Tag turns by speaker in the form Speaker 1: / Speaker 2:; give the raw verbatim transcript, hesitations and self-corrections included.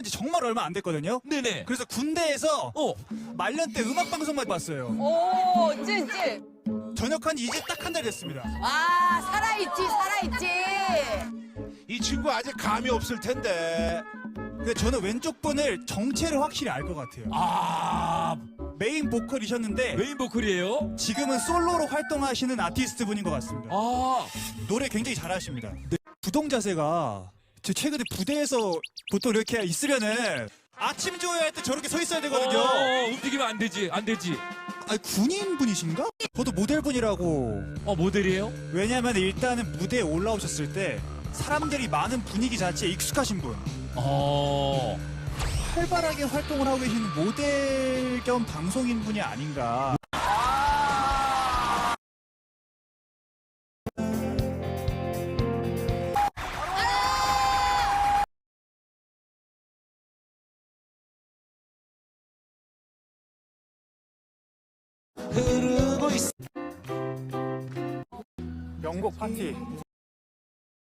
Speaker 1: 이제 정말 얼마 안 됐거든요.
Speaker 2: 네네.
Speaker 1: 그래서 군대에서
Speaker 2: 어.
Speaker 1: 말년 때 음악 방송만 봤어요.
Speaker 3: 오, 찐찐.
Speaker 1: 전역한 지 이제 딱 한 달 됐습니다.
Speaker 3: 아, 살아있지, 살아있지.
Speaker 4: 이 친구 아직 감이 없을 텐데.
Speaker 1: 근데 저는 왼쪽 분을 정체를 확실히 알 것 같아요.
Speaker 2: 아,
Speaker 1: 메인 보컬이셨는데
Speaker 2: 메인 보컬이에요?
Speaker 1: 지금은 솔로로 활동하시는 아티스트 분인 것 같습니다.
Speaker 2: 아,
Speaker 1: 노래 굉장히 잘하십니다. 구동 자세가 저 최근에 부대에서 보통 이렇게 있으면은 아침 조회할 때 저렇게 서 있어야 되거든요.
Speaker 2: 어, 움직이면 안 되지, 안 되지.
Speaker 1: 아니 군인 분이신가? 저도 모델분이라고.
Speaker 2: 어, 모델이에요?
Speaker 1: 왜냐면 일단은 무대에 올라오셨을 때 사람들이 많은 분위기 자체에 익숙하신 분.
Speaker 2: 어.
Speaker 1: 활발하게 활동을 하고 계시는 모델 겸 방송인 분이 아닌가. 명곡 파티.